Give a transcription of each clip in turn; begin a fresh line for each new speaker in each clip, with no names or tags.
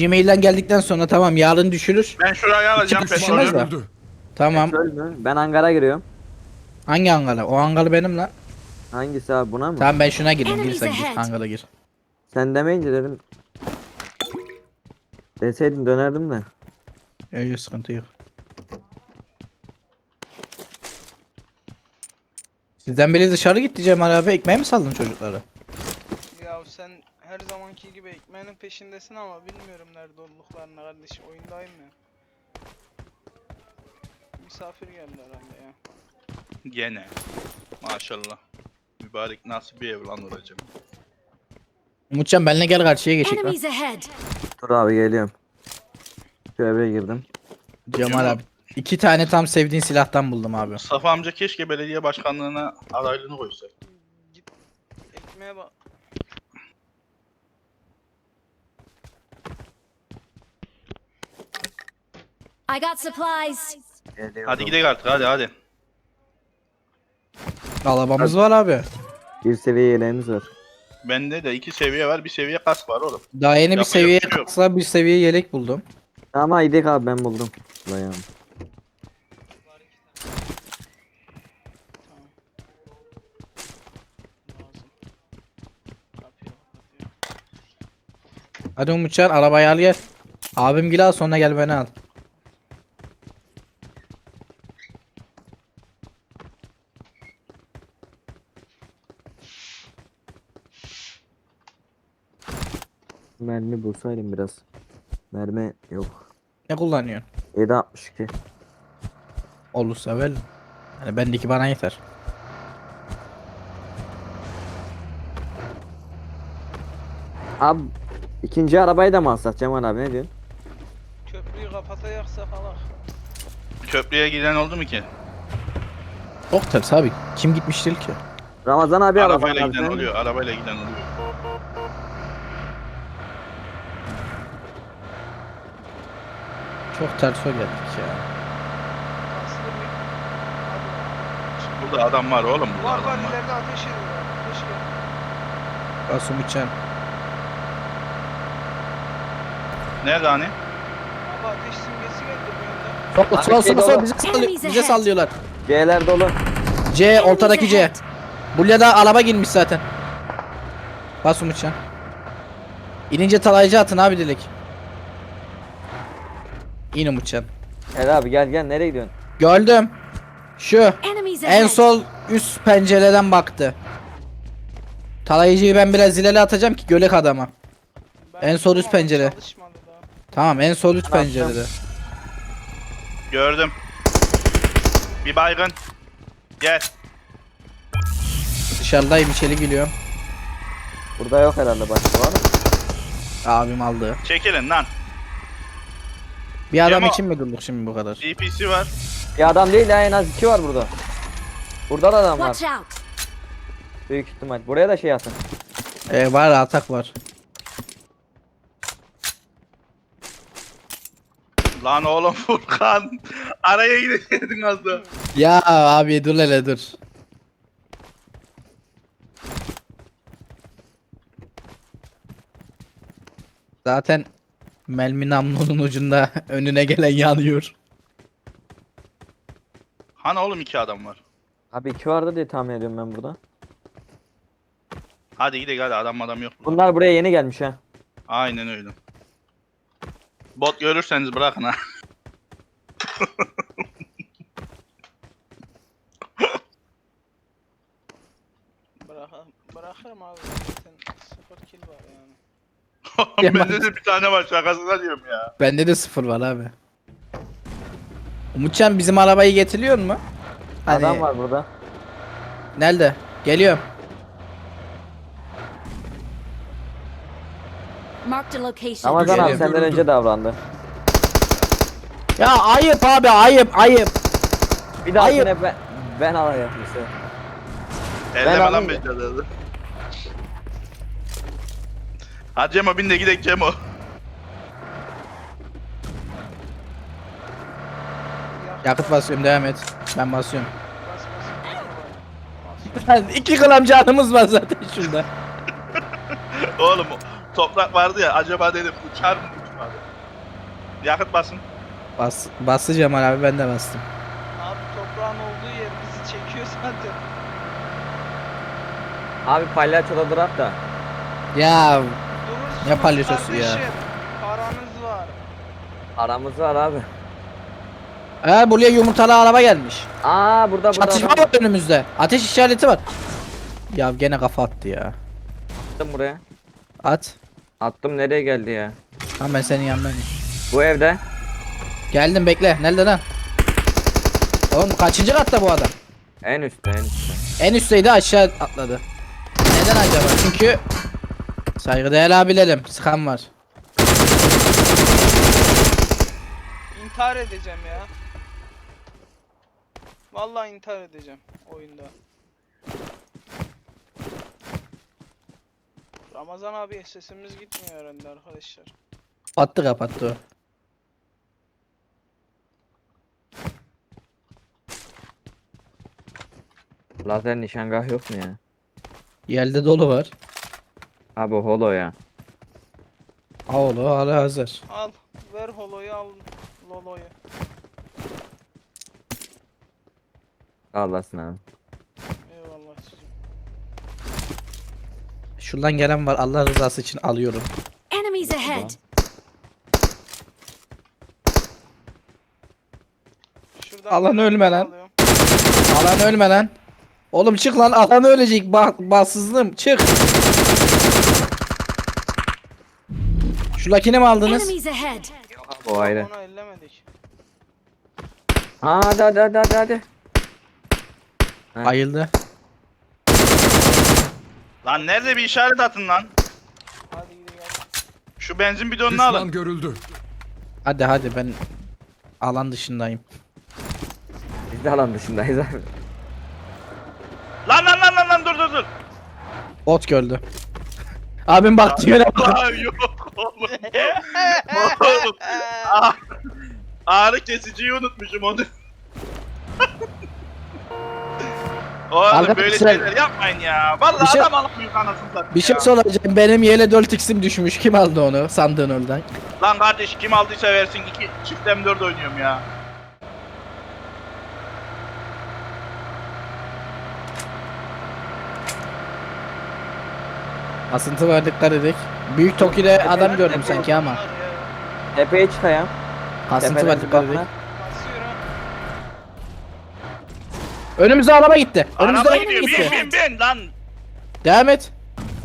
Gmail'den geldikten sonra tamam yarın düşürür.
Ben şuraya alacağım
İki düşürmez
petrolü.
de. Tamam.
Petrol mü? Ben hangara giriyorum.
Hangi hangara? O hangarı benim lan.
Hangisi abi, buna mı?
Tamam ben şuna gireyim. Gir
Enemies
sen gir.
ahead.
Hangara gir.
Sen demeyince dedim. Deseydin dönerdim de.
Öyle sıkıntı yok. Sizden biri dışarı gitti Cemal abi. Ekmeğe mi saldın çocuklara?
Ya sen her zamanki gibi ekmeğinin peşindesin ama bilmiyorum nerede olduklarını kardeşim. Oyundayım ya. Misafir geldi herhalde ya.
Gene. Maşallah. Mübarek nasıl bir ev lan hocam.
Umutcan benimle gel karşıya geçek lan.
Enemies ahead.
Dur abi, geliyorum. Şu eve girdim.
Cemal abi. 2 tane tam sevdiğin silahtan buldum abi.
Mustafa amca keşke belediye başkanlığına adaylığını koysa.
Git ekmeğe bak.
I got supplies.
Geliyorum.
Hadi gidelim artık hadi.
Arabamız var abi.
Bir seviye yeleğimiz var.
Bende de 2 seviye var, bir seviye kask var oğlum.
Daha yeni bir
Yapacak
seviye
bir şey yok.
kısa bir seviye yelek buldum.
Ama idik abi, ben buldum. Dayan.
Lazım. Kapıyor.
Hadi Umutcan arabayı al gel. Abim gel al sonra gel beni al.
Mermi bulsaydım biraz. Mermi yok.
Ne kullanıyorsun?
7.62.
Olursa ver. Yani bendeki bana yeter.
Abi ikinci arabayı da mı alsak Cemal abi, ne diyorsun?
Köprüyü kapatacaksa falan.
Köprüye giden oldu mu ki?
Çok ters abi. Kim gitmiştir ki?
Ramazan abi alacak
Arabayla
abi,
giden
sen-
oluyor, arabayla giden oluyor.
Çok ters o geldik ya.
Aslında bir... Hadi.
Burada adam var oğlum, burada
Var
adam
var
var.
ileride ateş ediyor. Ateş ediyor.
Bas Umutcan.
Nerede hani?
Abi ateş simgesi geldi bu yönden.
Sokla
Abi
sola
şey
sola sola
dolu.
bize sallıyorlar.
C'ler dolu.
C ortadaki C. Bulya'da araba girmiş zaten. Bas Umutcan. İnince talaycı atın abi Dilek. İn Umutcan.
Gel abi, gel nereye gidiyorsun?
Gördüm. Şu.
Enemies ahead.
En sol üst pencereden baktı. Talayıcıyı ben biraz ileri atacağım ki gölek adama.
Ben
En sol üst
yaptım ama
pencere.
çalışmadı daha.
Tamam en sol üst
Ben
pencerede.
Gördüm. Bir baygın. Gel.
Dışarıdayım içeri geliyorum.
Burada yok herhalde, başka var mı?
Abim aldı.
Çekilin lan.
Bir adam
Cemo-
için mi durduk şimdi bu kadar?
DPC var.
Bir adam değil ya, en az 2 var burada. Burada da adam var.
Watch out.
Büyük ihtimal. Buraya da şey atın.
Var atak var.
Lan oğlum Furkan. Araya gidecektin az da.
Ya abi dur hele dur. Zaten Melmi namlunun ucunda önüne gelen yanıyor.
Hani oğlum 2 adam var.
Abi 2 vardı diye tahmin ediyorum ben burada.
Hadi gidelim hadi, adam yok.
Bunlar buraya yeni gelmiş ha.
Aynen öyle. Bot görürseniz bırakın ha.
Bırakırım abi. Zaten 0 kill var yani.
Bende de bir tane var, şakasına diyorum ya.
Bende de 0 var abi. Umutcan bizim arabayı getiriyor mu? Hani-
Adam var burada.
Nerede? Geliyorum.
Marked a location.
Ramazan abi
Geliyorum.
senden önce davrandı.
Ya ayıp abi ayıp.
Bir daha
Hayır.
yine ben alayım işte.
Elleme lan
alayım
beceri. Hadi Cemo bin de gidelim Cemo.
Yakıt basıyorum devam et. Ben basıyorum.
Bas bas.
2 gram canımız var zaten şurada.
Oğlum toprak vardı ya, acaba dedim uçar mı uçmaz Hadi. Yakıt basın.
Bastı Cemal abi, ben de bastım.
Abi toprağın olduğu yer bizi çekiyor zaten.
Abi palyaçoda durak da.
Ya
Durursunuz
Ne palyaçosu ya?
kardeşim. Paranız var.
Aramız var abi.
buraya yumurtalı araba gelmiş.
Burada
Çatışma
adam
var önümüzde. Ateş işareti var. Ya gene kafa attı ya.
attım buraya.
At.
Attım, nereye geldi ya?
Tamam, ben senin yanındayım.
Bu evde.
Geldim, bekle. Nerede lan? Oğlum kaçıncı katta bu adam?
En üstte, en üstte.
En üstteydi, aşağı atladı. Neden acaba? Çünkü saygıdeğer abilerim, sıkan var.
İntihar edeceğim ya. Vallahi intihar edeceğim oyunda. Ramazan abi sesimiz gitmiyor herhalde arkadaşlar.
Kapattı o.
Lazer nişangah yok mu ya?
Yerde dolu var.
Abi holo ya.
Oğlu hala hazır.
Al ver holoyu al loloyu.
Allah'sın abi.
Eyvallah çocuğum.
Şuradan gelen var, Allah rızası için alıyorum.
Enemies ahead!
Şuradan
Alan
bir
ölme
tane
lan.
alıyorum.
Alan ölme lan. Oğlum çık lan, alan ölecek, bassızlığım çık. Şuradakini mi aldınız?
Enemies ahead!
O ayrı.
Onu ellemedik.
Hadi. Ha.
Ayıldı.
Lan nerede bir işaret atın lan.
Hadi gidelim.
Şu benzin bidonunu
Düşman
alın.
görüldü.
Hadi ben alan dışındayım.
Biz de alan dışındayız abi.
Lan dur.
Ot gördü. Abim baktı yöne bak.
Aa, yok oğlum. Oğlum. Ah, ağrı kesiciyi unutmuşum onu. Oğlum
Arkadaşlar,
böyle şeyler yapmayın ya. Vallahi
bir şey-
adam alamıyor anasını satayım
Bir şey
ya.
soracağım. Benim yele 4x'im düşmüş. Kim aldı onu sandığın oradan?
Lan kardeş kim aldıysa versin, 2 çift M4 oynuyorum ya.
Asıntı var, dikkat edik. Büyük Toki'de adam gördüm sanki ama.
Bunlar ya.
Tepeye çıkayım.
Asıntı
Tepeden
var, dikkat edik.
bakma.
Basıyorum.
Önümüzde araba gitti. Önümüzde
Araba
araba
gidiyor,
gitti.
bin lan.
Devam et.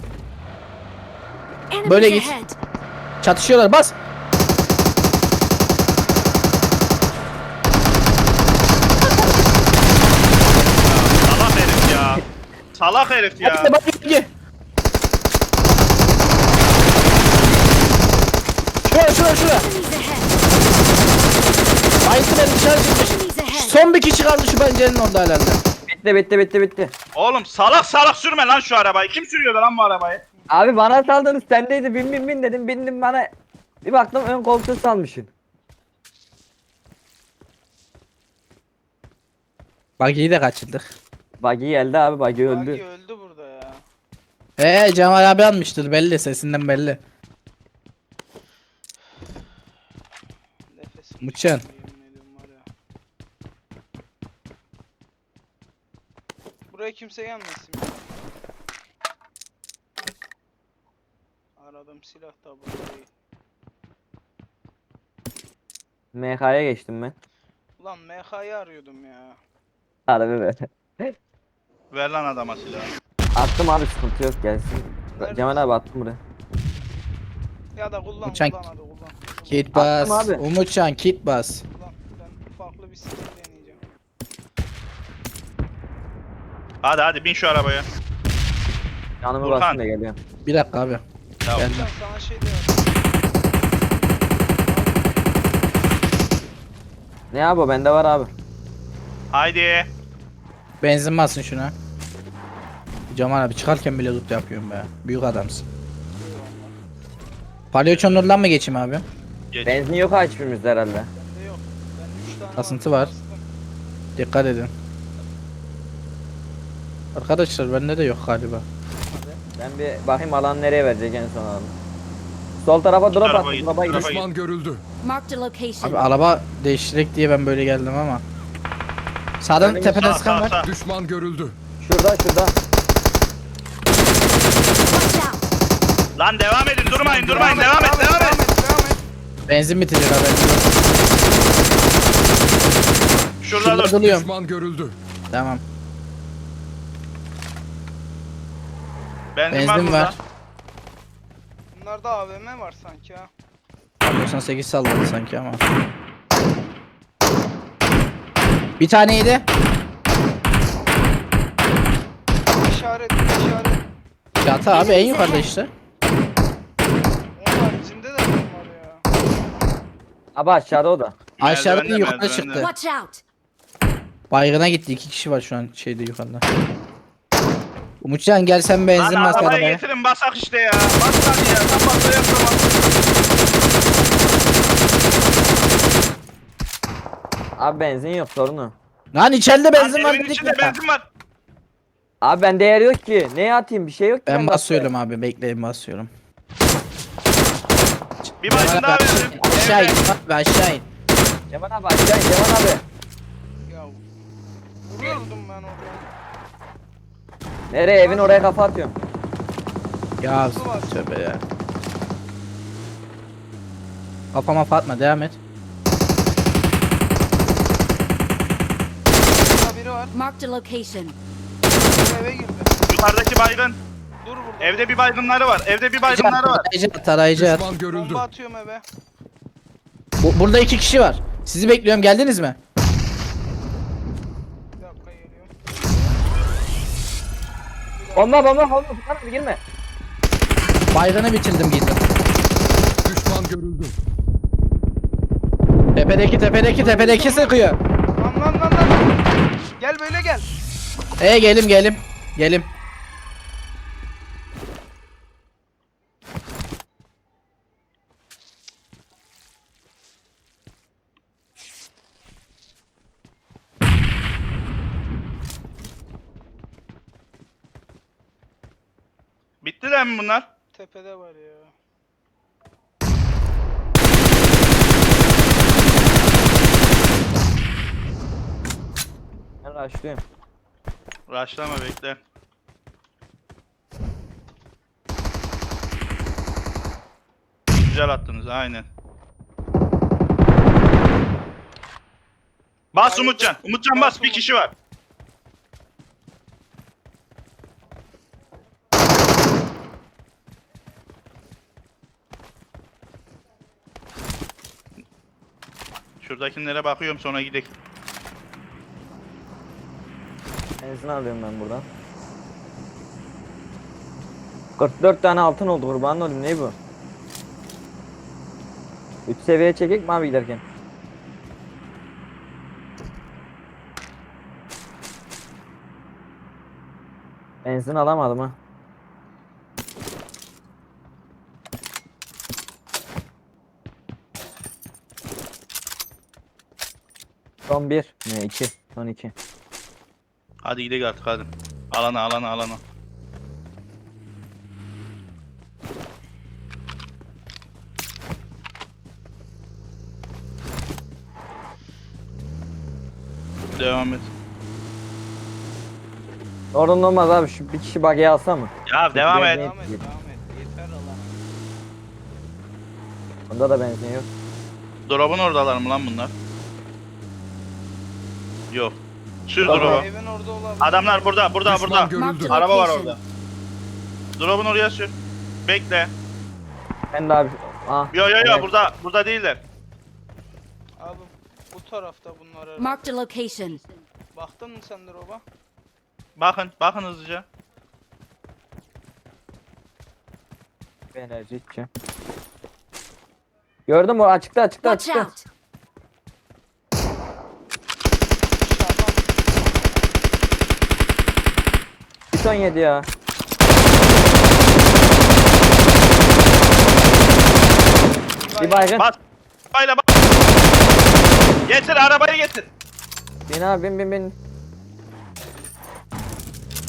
Enemies
Böyle git.
ahead!
Çatışıyorlar, bas.
Salak herif ya. Salak herif ya.
Hadi bak gel. Şura.
Enemies ahead!
Ayısı benim dışarı çıkmış.
Enemies ahead!
Son bir kişi kaldı şu pencerenin orada herhalde.
Bitti.
Oğlum salak sürme lan şu arabayı. Kim sürüyordu lan bu arabayı?
Abi bana saldınız, sendeydi, bin dedim, bindim, bana bir baktım ön koltuğu salmışsın.
Bak iyi de kaçırdık.
Buggy geldi abi, Buggy
Buggy
öldü.
öldü burada ya.
Cemal abi almıştır belli, sesinden belli.
Nefesim
Muçan.
tükeniyor, yemin ediyorum var ya. Buraya kimse gelmesin ya. Aradığım silah da burada değil.
MK'ya geçtim ben.
Ulan MH'yi arıyordum ya.
Harbi be.
Ver lan adama silahı.
Attım abi, sıkıntı yok, gelsin.
Nerede?
Cemal abi attım buraya.
Ya da kullan
Uçan-
hadi kullan.
Kit bas.
Attım abi.
Umutcan kit bas.
Kullan. Ben farklı bir skill deneyeceğim.
Hadi bin şu arabaya.
Yanımı
Furkan.
bastım da geliyorum.
Bir dakika abi.
Ya
Geldim.
Uçan sana şey de
Ne abi, o bende var abi.
haydi.
Benzin basın şuna. Cemal abi çıkarken bile loot yapıyorum be. Büyük adamsın. Palyaçonun oradan mı geçeyim abi?
Geç.
Benzin yok ha hiçbirimizde herhalde.
bende yok. Ben 3 tane
Kasıntı
aldım,
var.
bastım.
Dikkat edin. Arkadaşlar bende de yok galiba.
Ben bir bakayım alan nereye verecek en son alalım. Sol tarafa drop
tarafa
attı.
git,
Drop'a gidiyor.
tarafa
Düşman görüldü.
Marked a location.
Abi araba değiştirek diye ben böyle geldim ama. Sağdan
Önümüz
tepeden
Sağ
sıkan
sağ
var.
sağ.
Düşman görüldü.
Şurada.
Watch out.
Lan devam edin, durmayın, devam et.
Devam et.
Benzin bitecek haberin yok.
Şurada
Şurada
dur.
duruyorum.
Düşman görüldü.
Tamam.
Benzin var
Benzin
burada.
var.
Bunlarda AVM var sanki ha.
98 salladı sanki ama. Bir taneydi.
İşaret.
Çatı abi en yukarıda işte.
Onun haricinde de var ya.
Abi aşağıda o da.
Aşağıda
Merdivende,
yukarıda
merdivende.
çıktı.
Watch out.
Baygına gitti. 2 kişi var şu an şeyde yukarıda. Umutcan gel sen benzin
Lan
bas
arabayı
arabaya.
getirin, basak işte ya. Bas hadi ya. Sen basla yapamazsın.
Abi benzin yok sorunu.
Lan içeride benzin var
Evin
dedik
içinde
ya.
benzin var.
Abi bende yer yok ki. Neye atayım bir şey yok ki.
Ben
bende.
basıyorum abi bekleyin basıyorum.
Bir baygın daha verin.
Aşağı in abi aşağı in.
Cemal abi aşağı in Cemal abi.
Ya vuruyordum ben orada.
Nereye evin oraya kafa atıyorum.
Ya tövbe ya. Kafama fatma devam et.
Burada biri var.
Marked a location.
Eve girdi.
Yukarıdaki baygın.
Dur burada.
Evde bir baygınları var. Evde bir baygınları var.
Tarayıcı at.
Düşman görüldü.
Bomba atıyorum eve.
Burada 2 kişi var. Sizi bekliyorum geldiniz mi?
Bir dakika geliyorum.
Bomba. Furkan abi girme.
Baygını bitirdim gittim.
Düşman görüldü.
Tepedeki sıkıyor.
Lan. Gel böyle gel.
Gelim.
Bittiler mi bunlar?
Tepede var ya.
Ben rushlıyorum.
Raşlama bekle. Güzel attınız aynen. Bas
Hayır,
Umutcan.
dur.
Umutcan
Bas
bas. Bir kişi var. Şuradakilere bakıyorum sonra gidelim.
Benzin alıyorum ben buradan. 44 tane altın oldu kurban olayım ne bu? 3 seviye çekek mi abi giderken? Benzin alamadım ha. Son 1 ne 2 son 2.
Hadi gidelim artık hadi. Alana. Devam et.
Sorun olmaz abi şu bir kişi bagiye alsa mı?
Ya devam et.
Devam et. Yeter Allah.
Bunda da benzin yok.
Drop'un oradalar mı lan bunlar? Yok. Sür
Tamam.
drop'u.
Evin orada olabilir.
Adamlar burada.
Düşman
Marked
görüldü.
a
Araba var
location.
orada. Drop'un oraya sür. Bekle.
Ben de abi ah.
Yo
evet.
burada değiller.
Abi bu tarafta bunlar herhalde.
Marked a location.
Baktın mı sen drop'a?
Bakın hızlıca.
Bir enerji içeceğim. Gördün mü? Açıkta.
Watch out.
Dışarıdan.
317 ya. Bir baygın.
Bas. Bayla bas. Getir arabayı getir.
Bin abi bin.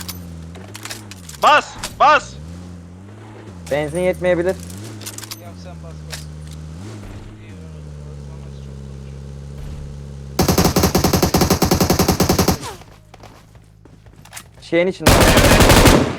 Bas.
Benzin yetmeyebilir.
Ya sen bas bas. İyi özlemez çok konuşuyor.
Şeyin içinde.